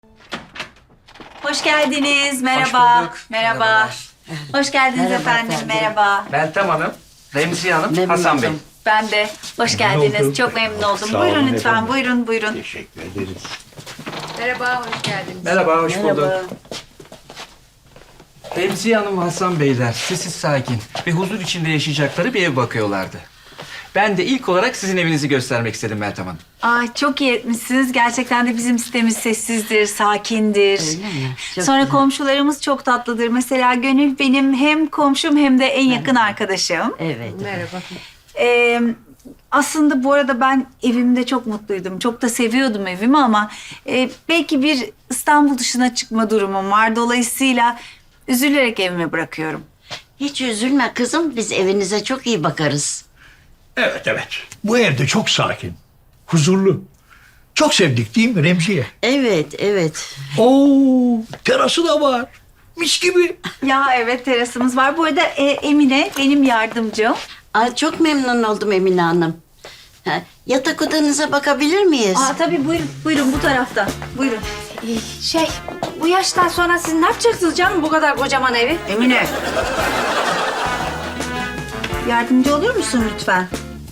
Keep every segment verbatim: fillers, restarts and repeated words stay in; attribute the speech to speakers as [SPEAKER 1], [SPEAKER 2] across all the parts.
[SPEAKER 1] Hoş geldiniz. Merhaba.
[SPEAKER 2] Hoş bulduk.
[SPEAKER 1] Merhaba.
[SPEAKER 2] Merhabalar.
[SPEAKER 1] Hoş geldiniz
[SPEAKER 3] Merhaba
[SPEAKER 1] efendim.
[SPEAKER 3] efendim.
[SPEAKER 1] Merhaba.
[SPEAKER 2] Meltem Hanım, Remziye Hanım,
[SPEAKER 3] Memnun
[SPEAKER 2] Hasan Bey.
[SPEAKER 3] oldum.
[SPEAKER 1] Ben de. Hoş geldiniz. Çok memnun oldum.
[SPEAKER 4] Sağ
[SPEAKER 1] Buyurun
[SPEAKER 4] olun
[SPEAKER 1] lütfen.
[SPEAKER 4] efendim.
[SPEAKER 1] Buyurun, buyurun.
[SPEAKER 4] Teşekkür ederiz.
[SPEAKER 5] Merhaba, hoş geldiniz.
[SPEAKER 2] Merhaba, hoş
[SPEAKER 3] Merhaba.
[SPEAKER 2] bulduk. Remziye Hanım ve Hasan Beyler sessiz sakin ve huzur içinde yaşayacakları bir ev bakıyorlardı. Ben de ilk olarak sizin evinizi göstermek istedim Meltem Hanım.
[SPEAKER 1] Ay çok iyi etmişsiniz. Gerçekten de bizim sitemiz sessizdir, sakindir.
[SPEAKER 3] Öyle mi? Çok
[SPEAKER 1] Sonra
[SPEAKER 3] güzel.
[SPEAKER 1] komşularımız çok tatlıdır. Mesela Gönül benim hem komşum hem de en yakın arkadaşım.
[SPEAKER 3] Evet.
[SPEAKER 5] Merhaba.
[SPEAKER 1] Ee, aslında bu arada ben evimde çok mutluydum. Çok da seviyordum evimi ama e, belki bir İstanbul dışına çıkma durumum var. Dolayısıyla üzülerek evime bırakıyorum.
[SPEAKER 3] Hiç üzülme kızım. Biz evinize çok iyi bakarız.
[SPEAKER 4] Evet evet. Bu evde çok sakin, huzurlu. Çok sevdik değil mi Remziye?
[SPEAKER 3] Evet, evet.
[SPEAKER 4] Oo, terası da var. Mis gibi.
[SPEAKER 1] Ya evet terasımız var. Bu arada e, Emine benim yardımcım.
[SPEAKER 3] Aa, çok memnun oldum Emine Hanım. Ha, yatak odanıza bakabilir miyiz?
[SPEAKER 1] Aa tabii buyurun, buyurun bu tarafta. Buyurun.
[SPEAKER 5] Şey, bu yaştan sonra siz ne yapacaksınız canım bu kadar kocaman evi?
[SPEAKER 1] Emine. Yardımcı olur musun lütfen?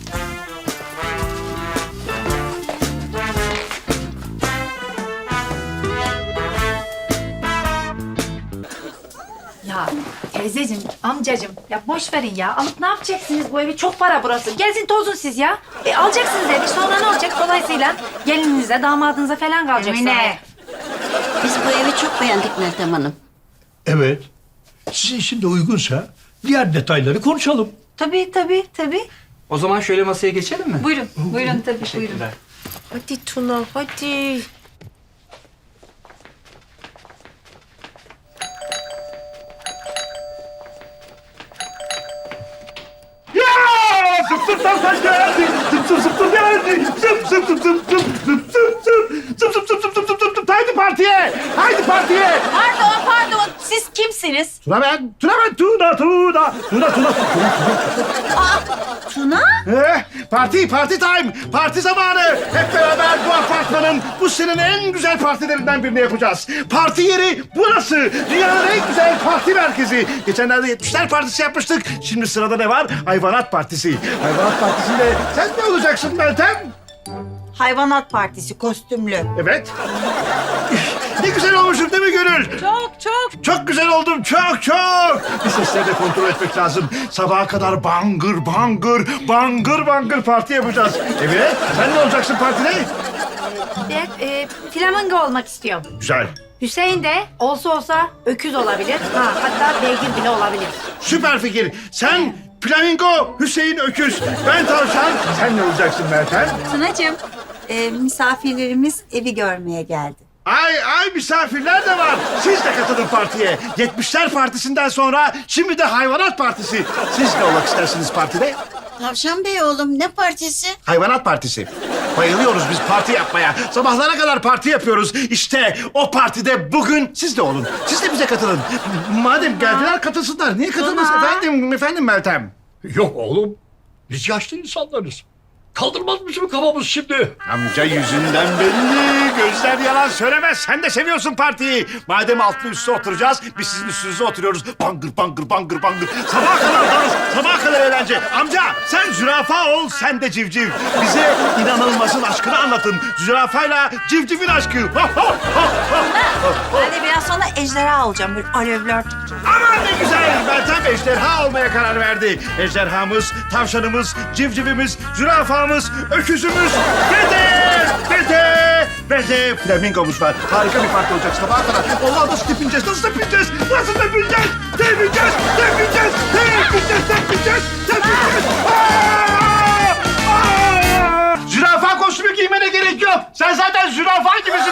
[SPEAKER 5] Ya teyzeciğim, amcacığım ya boş verin ya. Alıp ne yapacaksınız bu evi? Çok para burası. Gezin tozun siz ya. E, alacaksınız evi sonra ne olacak? Dolayısıyla gelininize, damadınıza falan kalacak sonra.
[SPEAKER 1] Emine.
[SPEAKER 3] Biz bu evi çok beğendik Meltem Hanım.
[SPEAKER 4] Evet. Sizin için de uygunsa diğer detayları konuşalım.
[SPEAKER 1] Tabii tabii tabii.
[SPEAKER 2] O zaman şöyle masaya geçelim mi?
[SPEAKER 1] Buyurun, buyurun tabii buyurun.
[SPEAKER 2] Teşekkürler.
[SPEAKER 5] Hadi Tuna, hadi.
[SPEAKER 6] Ya zıp zıp zıp zıp geldi. Zıp zıp zıp zıp geldi. Zıp zıp zıp zıp zıp zıp zıp zıp. Zıp zıp zıp zıp zıp zıp zıp zıp. Haydi partiye. Haydi partiye.
[SPEAKER 1] Pardon, pardon. Siz kimsiniz?
[SPEAKER 6] Tuna ben. Tuna ben. Tuna Tuna. Tuna Tuna.
[SPEAKER 1] Tuna?
[SPEAKER 6] Eh, parti, parti time. Parti zamanı. Hep beraber bu apartmanın bu senenin en güzel partilerinden birini yapacağız. Parti yeri burası. Dünyanın en güzel parti merkezi. Geçenlerde yetmişler partisi yapmıştık. Şimdi sırada ne var? Hayvanat partisi. Hayvanat partisinde sen ne olacaksın Meltem?
[SPEAKER 1] Hayvanat Partisi kostümlü.
[SPEAKER 6] Evet. Ne güzel olmuşum değil mi Gönül?
[SPEAKER 5] Çok çok.
[SPEAKER 6] Çok güzel oldum, çok çok. Bir sesleri de kontrol etmek lazım. Sabaha kadar bangır bangır, bangır bangır parti yapacağız. Evet, sen ne olacaksın partide?
[SPEAKER 5] Ben e, flamingo olmak istiyorum.
[SPEAKER 6] Güzel.
[SPEAKER 5] Hüseyin de olsa olsa öküz olabilir. Ha, hatta beygir bile olabilir.
[SPEAKER 6] Süper fikir. Sen flamingo, Hüseyin öküz. Ben tavşan. Sen ne olacaksın Meltem?
[SPEAKER 1] Tunacığım, e, misafirlerimiz evi görmeye geldi.
[SPEAKER 6] Ay ay misafirler de var. Siz de katılın partiye. yetmişler partisinden sonra şimdi de hayvanat partisi. Siz ne olmak istersiniz partide?
[SPEAKER 3] Tavşan Bey oğlum ne partisi?
[SPEAKER 6] Hayvanat partisi. Bayılıyoruz biz parti yapmaya. Sabahlara kadar parti yapıyoruz. İşte o partide bugün siz de olun. Siz de bize katılın. Madem geldiler katılsınlar. Niye katılmasın efendim, efendim Meltem?
[SPEAKER 4] Yok oğlum. Biz yaşlı insanlarız. Kaldırmaz mısın kafamız şimdi?
[SPEAKER 6] Amca yüzünden belli. Gözler yalan söylemez. Sen de seviyorsun partiyi. Madem altlı üstü oturacağız, biz sizin üstünüze oturuyoruz. Bangır bangır bangır bangır. Sabaha kadar dans, sabaha kadar eğlence. Amca sen zürafa ol, sen de civciv. Bize inanılmazın aşkını anlatın. Zürafayla civcivin aşkı. Ho, ho, ho, ho.
[SPEAKER 1] Ben de biraz sonra ejderha olacağım. Böyle alevler.
[SPEAKER 6] Aman ne güzel. Meltem ejderha olmaya karar verdi. Ejderhamız, tavşanımız, civcivimiz, zürafamız, öküzümüz ve de, ve de, ve de flamingomuz var. Harika bir parti olacak sabaha kadar. Allah nasıl tepineceğiz, nasıl tepineceğiz, nasıl tepineceğiz, tepineceğiz, tepineceğiz, tepineceğiz, tepineceğiz, tepineceğiz. Aa! Aa! Zürafa kostümü giymene gerek yok. Sen zaten zürafa gibisin.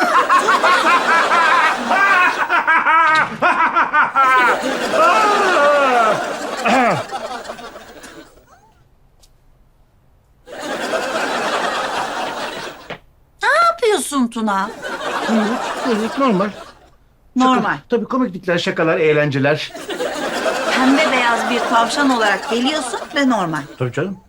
[SPEAKER 1] Ne yapıyorsun Tuna?
[SPEAKER 6] Evet, normal.
[SPEAKER 1] Normal.
[SPEAKER 6] Tabii komiklikler, şakalar, eğlenceler.
[SPEAKER 1] Pembe beyaz bir tavşan olarak geliyorsun ve normal.
[SPEAKER 6] Tabii canım.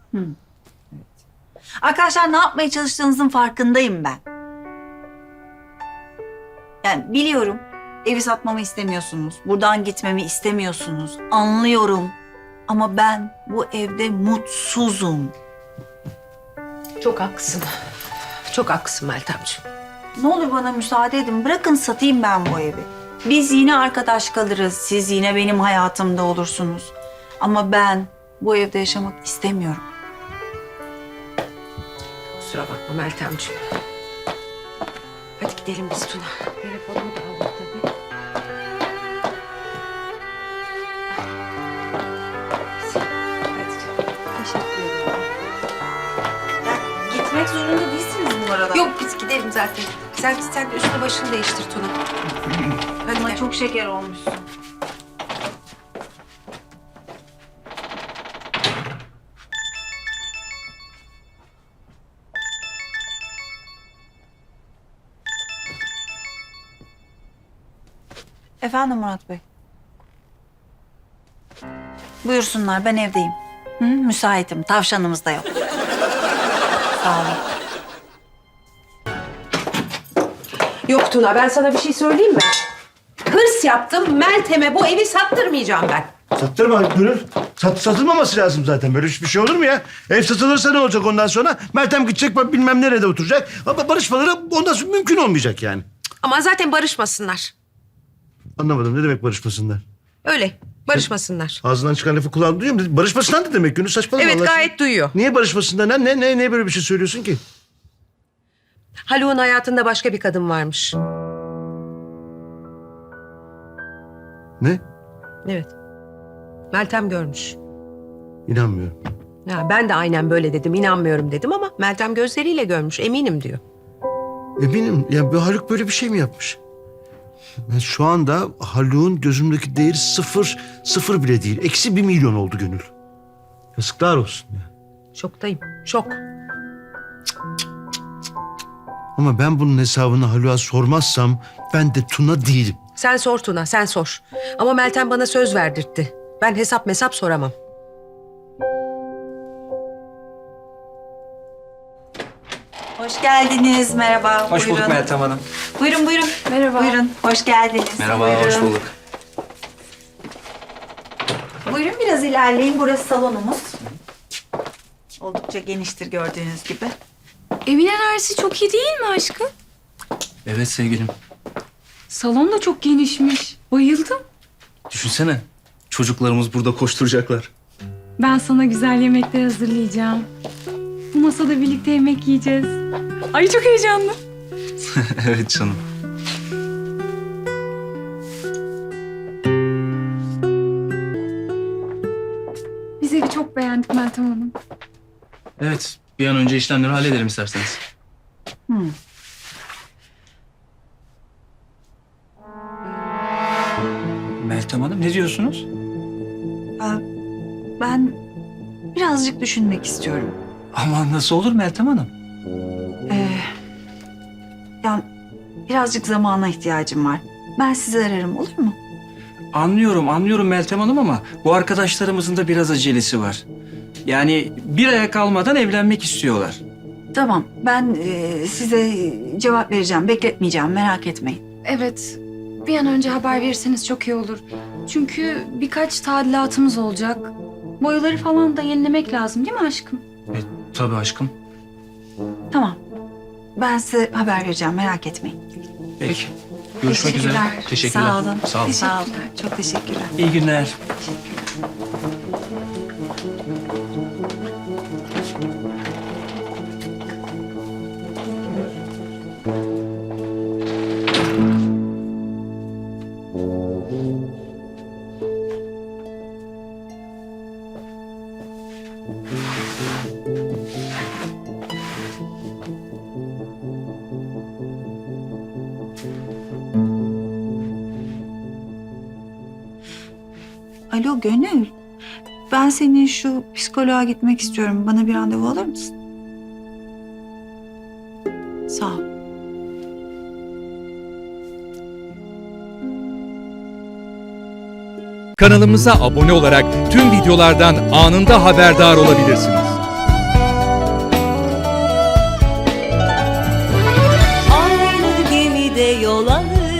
[SPEAKER 1] Arkadaşlar ne yapmaya çalıştığınızın farkındayım ben. Yani biliyorum evi satmamı istemiyorsunuz. Buradan gitmemi istemiyorsunuz. Anlıyorum. Ama ben bu evde mutsuzum.
[SPEAKER 7] Çok haklısın. Çok haklısın Meltemciğim.
[SPEAKER 1] Ne olur bana müsaade edin. Bırakın satayım ben bu evi. Biz yine arkadaş kalırız. Siz yine benim hayatımda olursunuz. Ama ben bu evde yaşamak istemiyorum.
[SPEAKER 7] Kusura bakma Meltemciğim. Hadi gidelim biz Tuna. Telefonumu da aldık tabii. Hadi canım. Teşekkür ederim.
[SPEAKER 1] Gitmek zorunda değilsiniz bu arada.
[SPEAKER 7] Yok biz gidelim zaten. Sen, sen üstünü başını değiştir Tuna. Hadi
[SPEAKER 1] Ama
[SPEAKER 7] gel.
[SPEAKER 1] çok şeker olmuşsun. Efendim Murat Bey. Buyursunlar, ben evdeyim. Hı, müsaitim, tavşanımız da yok. Sağ olun.
[SPEAKER 7] Yok Tuna ben sana bir şey söyleyeyim mi? Hırs yaptım Meltem'e bu evi sattırmayacağım ben.
[SPEAKER 6] Sattırma Gönül. Sat, satılmaması lazım zaten. Böyle bir şey olur mu ya? Ev satılırsa ne olacak ondan sonra? Meltem gidecek bak bilmem nerede oturacak. Ama barışmaları ondan sonra mümkün olmayacak yani.
[SPEAKER 7] Ama zaten barışmasınlar.
[SPEAKER 6] Anlamadım ne demek barışmasınlar?
[SPEAKER 7] Öyle barışmasınlar.
[SPEAKER 6] Ağzından çıkan lafı kulağın duyuyor mu? Barışmasından ne demek Gönül? Saçmalama
[SPEAKER 7] Evet
[SPEAKER 6] Allah aşkına.
[SPEAKER 7] gayet duyuyor.
[SPEAKER 6] Niye barışmasından? Ne, ne, ne, ne böyle bir şey söylüyorsun ki?
[SPEAKER 7] Haluk'un hayatında başka bir kadın varmış.
[SPEAKER 6] Ne?
[SPEAKER 7] Evet. Meltem görmüş.
[SPEAKER 6] İnanmıyorum.
[SPEAKER 7] Ya ben de aynen böyle dedim, inanmıyorum dedim ama Meltem gözleriyle görmüş, eminim diyor.
[SPEAKER 6] Eminim. Ya bu Haluk böyle bir şey mi yapmış? Ben şu anda Haluk'un gözümdeki değeri sıfır, sıfır bile değil. Eksi bir milyon oldu Gönül. Yazıklar olsun ya.
[SPEAKER 7] Şoktayım, şok.
[SPEAKER 6] Ama ben bunun hesabını Haluk'a sormazsam ben de Tuna değilim.
[SPEAKER 7] Sen sor Tuna, sen sor. Ama Meltem bana söz verdirtti. Ben hesap mesap soramam.
[SPEAKER 1] Hoş geldiniz, merhaba.
[SPEAKER 2] Hoş bulduk
[SPEAKER 1] buyurun.
[SPEAKER 2] Meltem Hanım.
[SPEAKER 1] Buyurun, buyurun.
[SPEAKER 5] Merhaba.
[SPEAKER 1] Buyurun, hoş geldiniz.
[SPEAKER 2] Merhaba,
[SPEAKER 1] Buyurun.
[SPEAKER 2] hoş bulduk.
[SPEAKER 1] Buyurun biraz ilerleyin, burası salonumuz. Oldukça geniştir gördüğünüz gibi.
[SPEAKER 8] Evin enerjisi çok iyi değil mi aşkım?
[SPEAKER 2] Evet sevgilim.
[SPEAKER 8] Salon da çok genişmiş. Bayıldım.
[SPEAKER 2] Düşünsene. Çocuklarımız burada koşturacaklar.
[SPEAKER 8] Ben sana güzel yemekler hazırlayacağım. Bu masada birlikte yemek yiyeceğiz. Ay çok heyecanlı.
[SPEAKER 2] Evet canım.
[SPEAKER 8] Biz evi çok beğendik Meltem Hanım.
[SPEAKER 2] Evet. Bir an önce işlemleri halledelim isterseniz.
[SPEAKER 1] Hmm.
[SPEAKER 2] Meltem Hanım ne diyorsunuz?
[SPEAKER 1] Aa, ben birazcık düşünmek istiyorum.
[SPEAKER 2] Aman nasıl olur Meltem Hanım?
[SPEAKER 1] Ee, yani birazcık zamana ihtiyacım var. Ben sizi ararım, olur mu?
[SPEAKER 2] Anlıyorum, anlıyorum Meltem Hanım ama bu arkadaşlarımızın da biraz acelesi var. Yani bir aya kalmadan evlenmek istiyorlar.
[SPEAKER 1] Tamam, ben e, size cevap vereceğim. Bekletmeyeceğim, merak etmeyin.
[SPEAKER 8] Evet. Bir an önce haber verirseniz çok iyi olur. Çünkü birkaç tadilatımız olacak. Boyaları falan da yenilemek lazım değil mi aşkım?
[SPEAKER 2] E, tabii aşkım.
[SPEAKER 1] Tamam. Ben size haber vereceğim, merak etmeyin.
[SPEAKER 2] Peki. Görüşmek üzere.
[SPEAKER 1] Teşekkürler.
[SPEAKER 2] Teşekkürler.
[SPEAKER 1] Sağ olun.
[SPEAKER 2] Sağ olun.
[SPEAKER 1] Sağ olun. Çok teşekkürler.
[SPEAKER 2] İyi günler.
[SPEAKER 1] Alo Gönül. Ben senin şu psikoloğa gitmek istiyorum. Bana bir randevu alır mısın? Sağ ol.
[SPEAKER 9] Kanalımıza abone olarak tüm videolardan anında haberdar olabilirsiniz.
[SPEAKER 10] Aynı gemide yol alır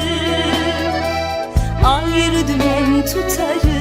[SPEAKER 10] bir dümen tutarım.